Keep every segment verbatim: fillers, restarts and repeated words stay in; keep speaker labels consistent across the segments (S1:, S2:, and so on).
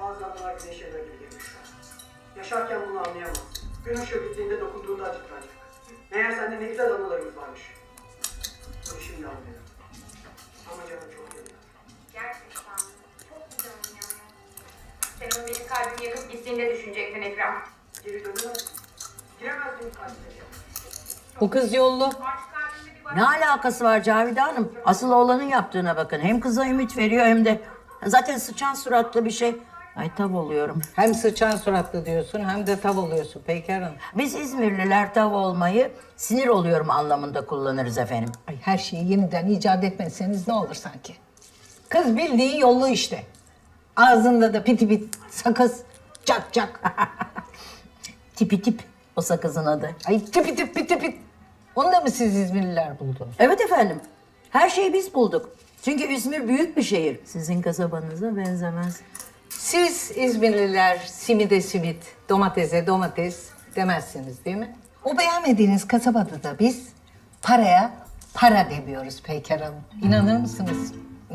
S1: Bazı anılar güneş eve gibi gelmiş şu an. Yaşarken bunu anlayamazsın. Gün ışığı bittiğinde dokunduğunda acıtacak. Meğer sende ne güzel anılarımız varmış. Bunu şimdi anlıyorum. Ama canım çok yanıyor.
S2: Gerçekten çok güzel yanıyor. Sen onu benim kalbimi yakıp gittiğinde düşünecektin Ekrem.
S1: Geri dönemezdim. Giremezdim kalbime.
S3: Bu kız yollu.
S2: Artık kalbimde bir
S4: Ne alakası var Cavide Hanım? Asıl oğlanın yaptığına bakın. Hem kıza ümit veriyor hem de... Zaten sıçan suratlı bir şey. Ay tav oluyorum.
S3: Hem sıçan suratlı diyorsun hem de tav oluyorsun Peyker Hanım.
S4: Biz İzmirliler tav olmayı sinir oluyorum anlamında kullanırız efendim.
S3: Ay her şeyi yeniden icat etmezseniz ne olur sanki. Kız bildiği yollu işte. Ağzında da piti pit sakız cak cak.
S4: Tipi tip o sakızın adı.
S3: Ay tipi tip piti pit. Onu da mı siz İzmirliler buldunuz?
S4: Evet efendim. Her şeyi biz bulduk. Çünkü İzmir büyük bir şehir. Sizin kasabanıza benzemez.
S3: Siz İzmirliler simide simit, domatese domates demezsiniz değil mi? O beğenmediğiniz kasabada da biz paraya para demiyoruz Peyker Hanım. İnanır mısınız?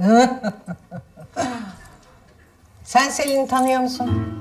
S3: Sen Selin'i tanıyor musun?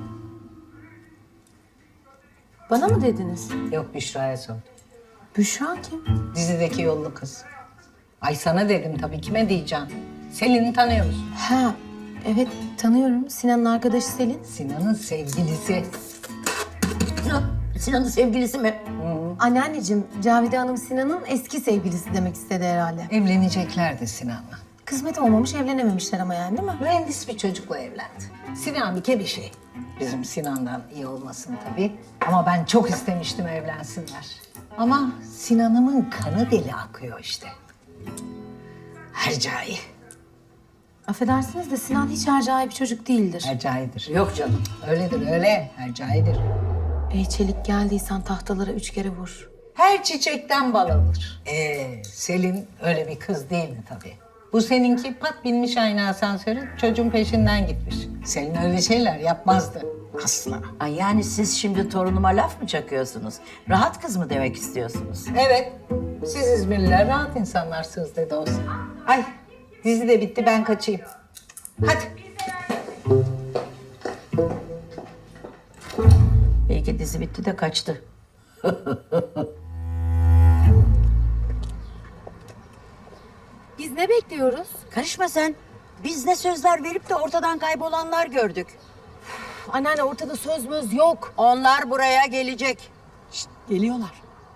S5: Bana mı dediniz?
S3: Yok, Büşra'ya sordum.
S5: Büşra kim?
S3: Dizideki yollu kız. Ay sana dedim tabii, kime diyeceğim? Selin'i tanıyor musun?
S5: Ha, evet tanıyorum. Sinan'ın arkadaşı Selin.
S3: Sinan'ın sevgilisi.
S4: Sinan, Sinan'ın sevgilisi mi?
S5: Anneanneciğim, Cavide Hanım Sinan'ın eski sevgilisi demek istedi herhalde.
S3: Evleneceklerdi Sinan'la.
S5: Kısmet olmamış, evlenememişler ama yani değil mi?
S3: Mühendis bir çocukla evlendi. Sinan bir ke bir şey. Bizim Sinan'dan iyi olmasın tabii. Ama ben çok istemiştim evlensinler. Ama Sinan'ımın kanı deli akıyor işte. Hercai.
S5: Affedersiniz de Sinan hiç harcai bir çocuk değildir.
S3: Hercai'dir.
S4: Yok canım.
S3: Öyledir öyle. Hercai'dir.
S5: Ey çelik geldiysen tahtalara üç kere vur.
S3: Her çiçekten bal alır. Ee, Selin öyle bir kız değil mi tabii? Bu seninki pat binmiş aynı asansörü, çocuğun peşinden gitmiş. Selin öyle şeyler yapmazdı. Asla.
S4: Ay yani siz şimdi torunuma laf mı çakıyorsunuz? Rahat kız mı demek istiyorsunuz?
S3: Evet, siz İzmirliler rahat insanlarsınız dedi olsa. Ay, dizi de bitti, ben kaçayım. Hadi.
S4: Belki dizi bitti de kaçtı.
S5: Biz ne bekliyoruz?
S4: Karışma sen. Biz ne sözler verip de ortadan kaybolanlar gördük.
S5: Anneanne ortada söz möz yok.
S4: Onlar buraya gelecek.
S5: Geliyorlar.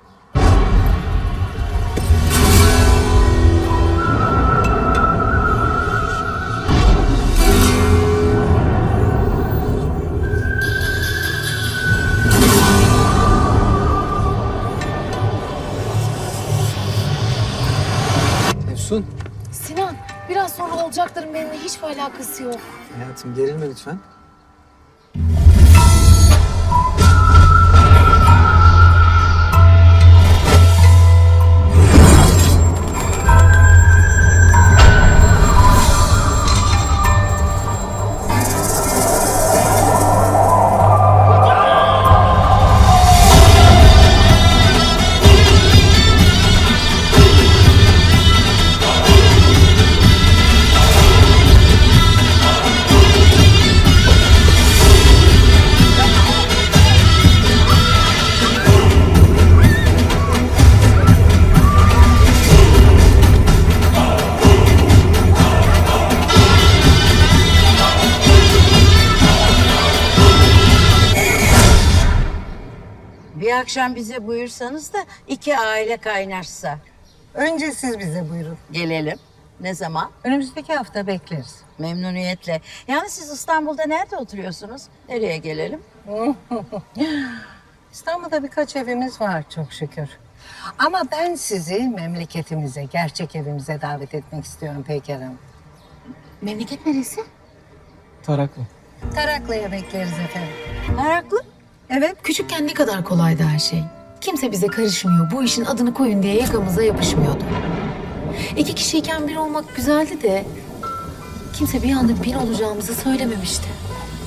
S6: Efsun,
S5: Sinan, biraz sonra olacakların benimle hiçbir alakası yok.
S6: hayatım gerilme lütfen.
S4: Bir akşam bize buyursanız da iki aile kaynaşsa.
S3: Önce siz bize buyurun.
S4: Gelelim. Ne zaman?
S3: Önümüzdeki hafta bekleriz.
S4: Memnuniyetle. Yani siz İstanbul'da nerede oturuyorsunuz? Nereye gelelim?
S3: İstanbul'da birkaç evimiz var çok şükür. Ama ben sizi memleketimize, gerçek evimize davet etmek istiyorum Peyker Hanım.
S5: Memleket neresi?
S6: Taraklı.
S3: Taraklı'ya bekleriz efendim.
S4: Meraklı.
S3: Evet.
S5: Küçükken ne kadar kolaydı her şey. Kimse bize karışmıyor, bu işin adını koyun diye yakamıza yapışmıyordu. İki kişiyken bir olmak güzeldi de... kimse bir anda bir olacağımızı söylememişti.